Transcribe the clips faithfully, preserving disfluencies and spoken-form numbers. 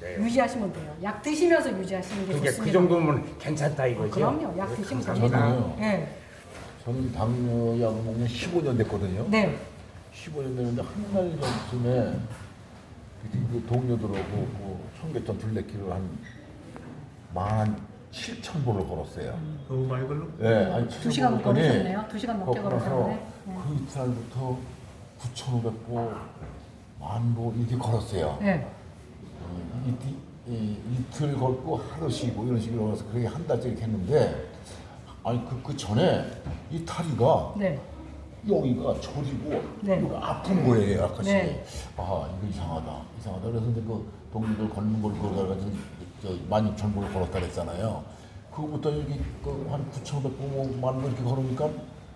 네. 유지하시면 돼요. 약 드시면서 유지하시는 게 그게 좋습니다. 그 정도면 괜찮다 이거죠. 그럼요. 약 드시면 감사합니다. 됩니다. 네. 저는 당뇨 약을 먹는 십오 년 됐거든요. 네. 십오 년 됐는데 한 달 전쯤에 그 동료들하고 그 청계천 둘레길을 한만 칠천 번을 걸었어요. 너무 많이 걸로? 네, 아니 두 시간 걸으셨네요. 두 시간 넘게 걸으셨네. 네. 그 이틀부터 구천오백 보, 만 보 이렇게 걸었어요. 네. 이, 이, 이, 이틀 걷고 하루 쉬고 이런 식으로 걸어서 그렇게 한 달째 이렇게 했는데 아니 그, 그 전에 이 다리가 네. 여기가 저리고 네. 여기가 아픈 거예요, 약간씩. 네. 아 이거 이상하다, 이상하다. 그래서 이제 그 동료들 걷는 걸 걸어가지고 만 육천 보를 걸었다 그랬잖아요. 그거부터 여기 그한 구천오백 보, 만 보 이렇게 걸으니까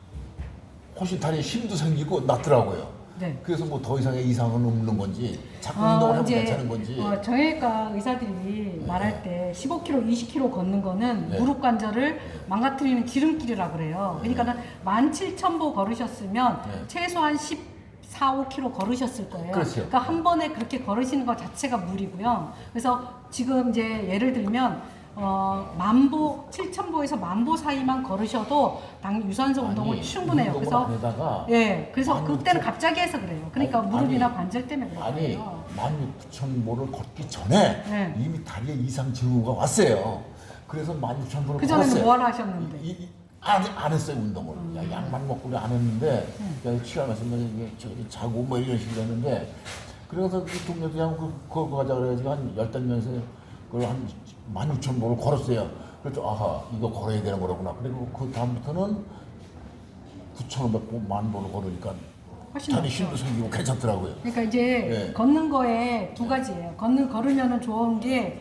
훨씬 다리에 힘도 생기고 낫더라고요. 네. 그래서 뭐 더 이상의 이상은 없는 건지 자꾸 아, 운동을 하면 이제, 괜찮은 건지. 어, 정형외과 의사들이 네. 말할 때 십오 킬로미터, 이십 킬로미터 걷는 거는 네. 무릎 관절을 망가뜨리는 지름길이라 그래요. 네. 그러니까는 만 칠천 보 걸으셨으면 네. 최소한 십사, 오 킬로미터 걸으셨을 거예요. 그렇죠. 그러니까 한 번에 그렇게 걸으시는 것 자체가 무리고요. 그래서 지금 이제 예를 들면 어, 만보, 칠천 보에서 만보 사이만 걸으셔도 당 유산소 운동은 아니, 충분해요. 운동을 그래서 안 하다가 예, 그래서 만 그때는 육천 갑자기 해서 그래요. 그러니까 아니, 무릎이나 아니, 관절 때문에 그런 아니 거예요. 만 육천 보를 걷기 전에 네. 이미 다리에 이상 징후가 왔어요. 그래서 만 육천 보를 그 전에는 걸었어요. 뭘 하셨는데? 이, 이, 안, 안 했어요 운동을. 음. 야, 약만 먹고 안 했는데 음. 야, 취할 말씀만 이게 저기 자고 뭐 이런 식으로 했는데 그래서 그 동료도 그냥 그 걸고 가자 그래가지고 한 열댓 명에서 그걸 한 만 육천 보를 걸었어요. 그래서 아하 이거 걸어야 되는 거로구나. 그리고 그 다음부터는 구천오백 보, 만 보를 걸으니까 훨씬 다리 낫죠. 힘도 생기고 괜찮더라고요. 그러니까 이제 네. 걷는 거에 두 가지예요. 걷는 걸으면은 좋은 게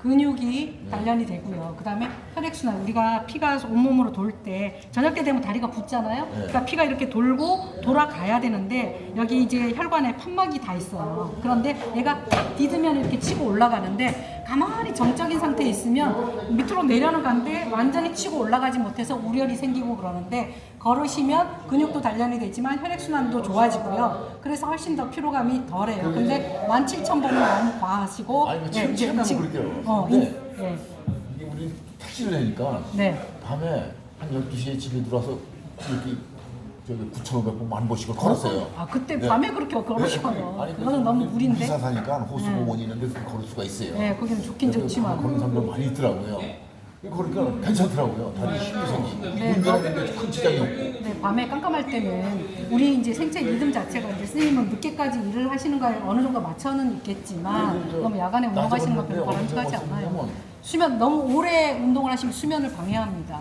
근육이 네. 단련이 되고요. 그다음에 혈액순환. 우리가 피가 온몸으로 돌 때 저녁 때 되면 다리가 붓잖아요. 네. 그러니까 피가 이렇게 돌고 돌아가야 되는데 여기 이제 혈관에 판막이 다 있어요. 그런데 얘가 딱 디드면 이렇게 치고 올라가는데 가만히 정적인 상태에 있으면 밑으로 내려는 가는데 완전히 치고 올라가지 못해서 우열이 생기고 그러는데 걸으시면 근육도 단련이 되지만 혈액순환도 좋아지고요. 그래서 훨씬 더 피로감이 덜해요. 근데 만 칠천 보는 너무 과하시고 아니, 뭐 예, 지금 이제 체감은 지금- 그렇게요. 어, 근데 이- 예. 이게 우리 택시를 내니까 네. 밤에 한 열두 시에 집에 들어와서 이렇게 저기 구천오백 보, 만 보씩을 걸었어요. 아 그때 네. 밤에 그렇게 걸으시거든요. 네, 아니, 그거는 너무 무리인데. 이사 사니까 호수공원이 네. 있는데 그렇게 걸을 수가 있어요. 네, 거기는 좋긴 그래서 좋지만. 그런 사람들 많이 있더라고요. 그러니까 괜찮더라고요. 다리 힘도 생기고 네. 운전하는데 큰 지장이 없고. 네, 밤에 깜깜할 때는 우리 이제 생체 리듬 자체가 이제 선생님은 늦게까지 일을 하시는 거에 어느 정도 맞춰는 있겠지만 네, 저 너무 야간에 낮에 운동하시는 건 걷는데 별로 바람직하지 언제 않아요. 걷냐면 수면 너무 오래 운동을 하시면 수면을 방해합니다.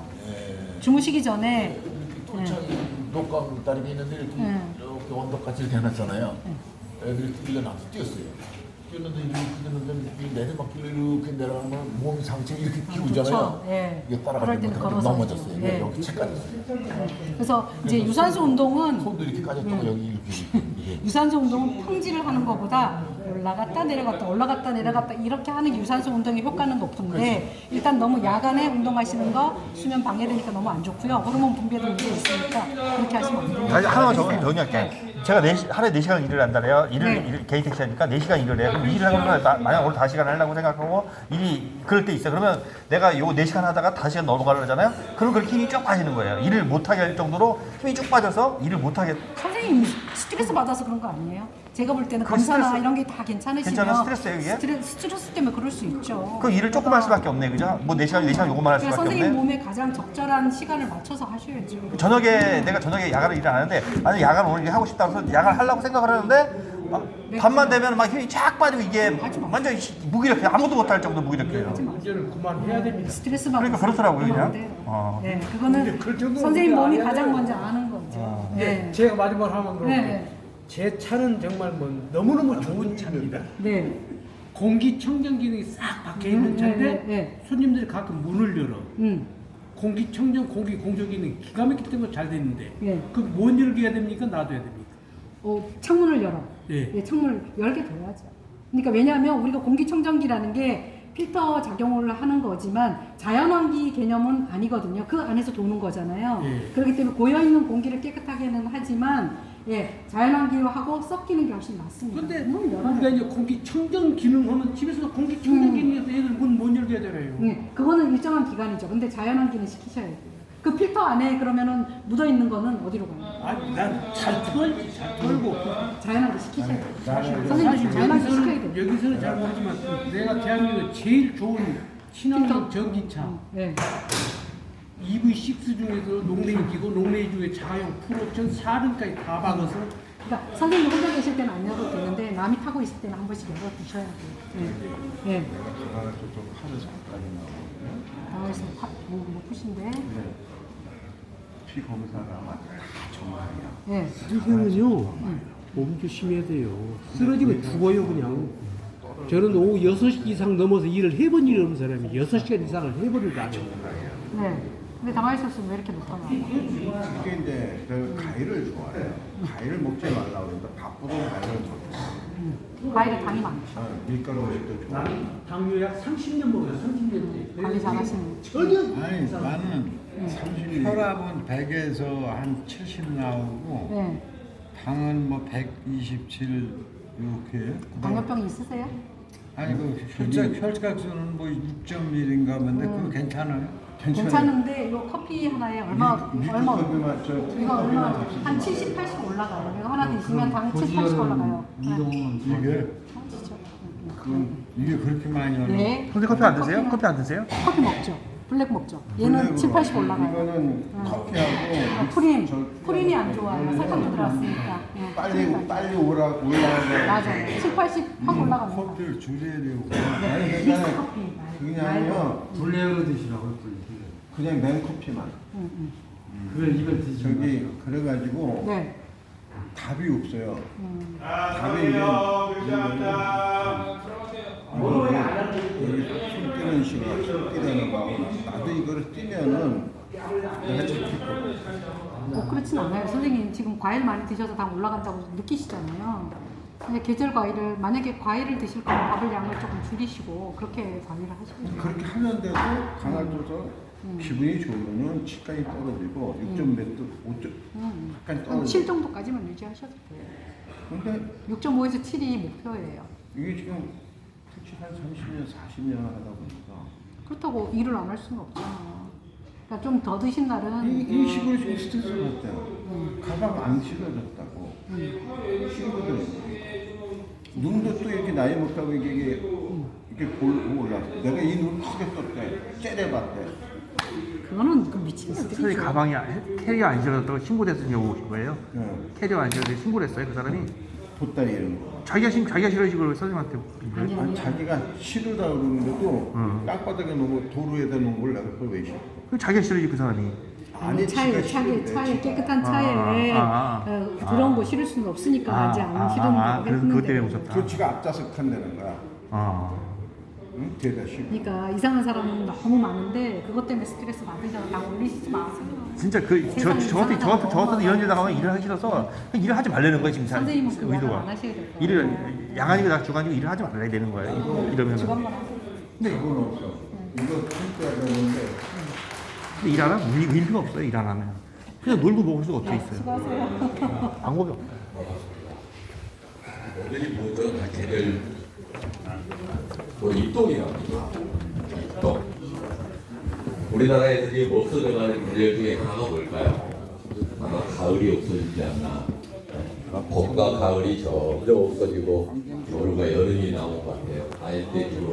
주무시기 전에 또 저기 녹강 다리가 있는데 이렇게 네. 이렇게 언덕같이 이렇게 해놨잖아요. 애들이 뛰려 나서 뛰었어요. 뛰었는데 이렇게 뛰었는데 이 내리막길로 이렇게 내려가면 몸 상체 이렇게 기우잖아요. 좋죠. 예. 이게 그럴 따라가지 때는 못하고 걸어서 넘어졌어요. 하죠. 예. 여기 채까지. 네. 그래서 이제 유산소 운동은 손도 이렇게 까졌다고 여기 이렇게 이렇게. 유산소 운동은 평지를 하는 것보다 올라갔다 내려갔다 올라갔다 내려갔다 이렇게 하는 유산소 운동의 효과는 높은데 일단 너무 야간에 운동하시는 거 수면 방해되니까 너무 안 좋고요. 호르몬 분비에도 문제 있으니까 그렇게 하시면 안 돼요. 아니, 하나만 정- 정리할게. 제가 네 시, 하루에 네 시간 일을 한다래요. 일을, 네. 일, 개인 택시 하니까 네 시간 일을 해요. 그럼 일을 하면 나- 만약 오늘 다섯 시간 하려고 생각하고 일이 그럴 때 있어요. 그러면 내가 요 네 시간 하다가 다섯 시간 넘어가려고 하잖아요. 그럼 그렇게 힘이 쭉 빠지는 거예요. 일을 못하게 할 정도로 힘이 쭉 빠져서 일을 못하게. 선생님 스트레스 받아서 그런 거 아니에요? 제가 볼 때는 그 검사나 스트레스- 이런 게 다 괜찮으시면 괜찮아요? 스트레스예요, 이게? 스트레, 스트레스 때문에 그럴 수 있죠. 그 일을 조금 할 수밖에 없네, 그죠? 뭐 네 시간, 네 시간 요것만 할 그러니까 수밖에 선생님 없네. 몸에 가장 적절한 시간을 맞춰서 하셔야죠. 저녁에 내가 저녁에 야간을 일을 안 하는데 아니 야간 오늘 하고 싶다 그래서 야간 하려고 생각을 하는데 아, 밤만 되면 막 힘이 쫙 빠지고 이게 완전 무기력해. 아무도 못할 정도 무기력해요. 운전을 그만해야 됩니다. 스트레스 받고 그러니까 그렇더라고요, 그냥. 그러면 안 돼요. 어. 네, 그거는 그 정도는 선생님 몸이 우리가 가장 알아야 먼저 아는 거죠. 네. 네. 제가 마지막으로 하면 그렇게 네. 제 차는 정말 뭐 너무너무 좋은 차입니다. 네. 공기청정 기능이 싹 박혀 있는 음, 차인데 네, 네, 네. 손님들이 가끔 문을 열어. 음. 공기청정 공기 공조 기능이 기가 막히기 때문에 잘 됐는데 네. 그뭔 열게 해야 됩니까? 놔둬야 됩니까? 어, 창문을 열어. 예. 예, 창문을 열게 둬야죠. 그러니까 왜냐하면 우리가 공기청정기라는 게 필터 작용을 하는 거지만 자연환기 개념은 아니거든요. 그 안에서 도는 거잖아요. 예. 그렇기 때문에 고여있는 공기를 깨끗하게는 하지만 예, 자연환기하고 섞이는 게 훨씬 낫습니다. 근데 문을 열어야 우리가 이제 공기 청정 기능하면 집에서 공기 청정 기능에서 애들 문 못 열게 하잖아요. 네, 그거는 일정한 기간이죠. 근데 자연환기는 시키셔야 돼요. 그 필터 안에 그러면은 묻어 있는 거는 어디로 가요? 아니 난잘 털지 잘 털고. 자연환기 시키셔야 돼요. 사실 선생님 자연환기 시켜야 여기서는, 돼요. 여기서는 잘 모르지만 내가 대한민국 제일 좋은 친환경 전기차 네. 이브이 육 중에서 농내기 기고 농내기 중에 자가용 풀옵션 사륜까지 다 박아서 그러니까 선생님 혼자 계실 때는 안 열어도 되는데 남이 타고 있을 때는 한 번씩 열어 두셔야 돼요. 네. 네. 당황해서 뭐 높으신데. 피 검사가 다 정말이야. 네. 이거는요 몸 조심해야 돼요. 쓰러지면 죽어요 그냥. 저는 오후 여섯 시 이상 넘어서 일을 해본 일이 없는 사람이 여섯 시간 이상을 해버리고 안 해요. 네. 근데 당황하셨으면 왜 이렇게 높아요? 이게 이제 그 과일을 좋아해요. 과일을 먹지 말라고 그러는데 바쁘던 과일을 먹고 과일에 당이 많죠. 어, 밀가루 음식도 좋아. 나는 당뇨 약 삼십 년 먹어요. 삼십 년째. 관리 잘하시는. 전혀 아니 나는 혈압은 백에서 한 칠십 나오고 네. 당은 뭐 백이십칠 이렇게. 당뇨병이 있으세요? 아니 그 혈액 혈액수는 뭐 육 점 일인가 본데 그거 괜찮아요? 괜찮은데 이거 커피 하나에 얼마 얼마 밀크커피만 저 이거 얼마 한 칠십, 팔십 올라가요. 이거 하나 드시면 당 칠십, 팔십 올라가요. 네. 이게 진짜. 이게 그렇게 많이 올라? 네. 선생님 커피 안 드세요? 커피는- 커피 안 드세요? 커피 먹죠. 블랙 먹죠. 얘는 블랙으로. 칠, 팔십 올라가요. 이거는 응. 커피하고 아, 프린, 저- 프린이 안 좋아요. 설탕도 들어갔으니까. 네. 빨리 빨리 오라 올라가고 맞아요. 칠, 팔십 확 올라갑니다. 커피를 줄여야 되고. 아니 믹스 그냥 커피. 그냥요 블랙으로 드시라고 그냥 냉커피만 응, 응. 그걸 입에 드시고. 저기 그래가지고 네. 답이 없어요. 음. 답이 이제 이거는 여기 손 뛰는 시간, 손 뛰는 거 나도 이거를 뛰면은 내가 잡힐 거야. 뭐 그렇진 않아요. 선생님 지금 과일 많이 드셔서 당 올라간다고 느끼시잖아요. 근데 계절 과일을 만약에 과일을 드실 거면 밥을 양을 조금 줄이시고 그렇게 관리를 하시면 돼요. 그렇게 하는데도 강화도서 기분이 좋으면은 치까지 떨어지고 육 점 몇 도, 오 점 음. 약간 한 떨어지고. 칠 정도까지만 유지하셔도 돼요. 근데 육 점 오에서 칠이 목표예요. 이게 지금 택시 한 삼십 년, 사십 년 하다 보니까 그렇다고 일을 안 할 수는 없잖아. 그러니까 좀 더 드신 날은 이, 이 식으로 지금 스트레스 받잖아. 가방 안 실어졌다고. 친구들 눈도 또 이렇게 나이 먹다고 이게 이게 이렇게 골 올랐어. 내가 이 눈 크게 떴대. 째려봤대. 그거는 그 미친 선생님 놈들이죠. 가방이 안- 캐리어 안 실어졌다고 신고돼서 여기 오신 거예요? 네. 캐리어 안 실어져서 신고를 했어요 그 사람이? 돗다리 이런 거. 자기가 신 자기가 실어진 걸 선생님한테 아니 아니 아니. 자기가 싫으다 그러는데도 응. 땅바닥에 놓고 도로에다 놓은 걸 내가 그걸 왜 싫어? 그 자기가 실어지 그 사람이. 아니 차에 지가 차에 싫은데, 차에 지가. 깨끗한 차에 아, 아, 아. 어, 더러운 거 실을 수는 없으니까 이제 안 실은 아, 거 그래서 그것 때문에 오셨다. 그 지가 앞좌석 탄다는 거야. 아. 응? 대다 싫어. 그러니까 이상한 사람은 너무 많은데 그것 때문에 스트레스 받으셔서 당 올리시지 마세요. 진짜 그 저 저 같은 저 같은 저 같은 이런 일 당하면 일을 하기 싫어서 그냥 일을 하지 말라는 거예요 지금 사- 선생님은 그 말을 의도가. 안 하셔야 될 거예요. 일을 야간이고 낮 주간이고 일을 하지 말아야 되는 거예요. 이러면 주간만 하세요. 그건 없어. 이거 진짜 그러는데 근데 일 안 하면 의- 의미가 없어요. 일 안 하면 그냥 놀고 먹을 수가 어떻게 있어요. 수고하세요. 방법이 없어요. 애들이 뭐죠? 다 걔들 뭐 입동이랍니다. 입동. 우리나라 애들이 뭐 없어져가는 계절 중에 하나가 뭘까요? 아마 가을이 없어지지 않나. 봄과 가을이 점점 없어지고 겨울과 여름이 나온 것 같아요. 아예 때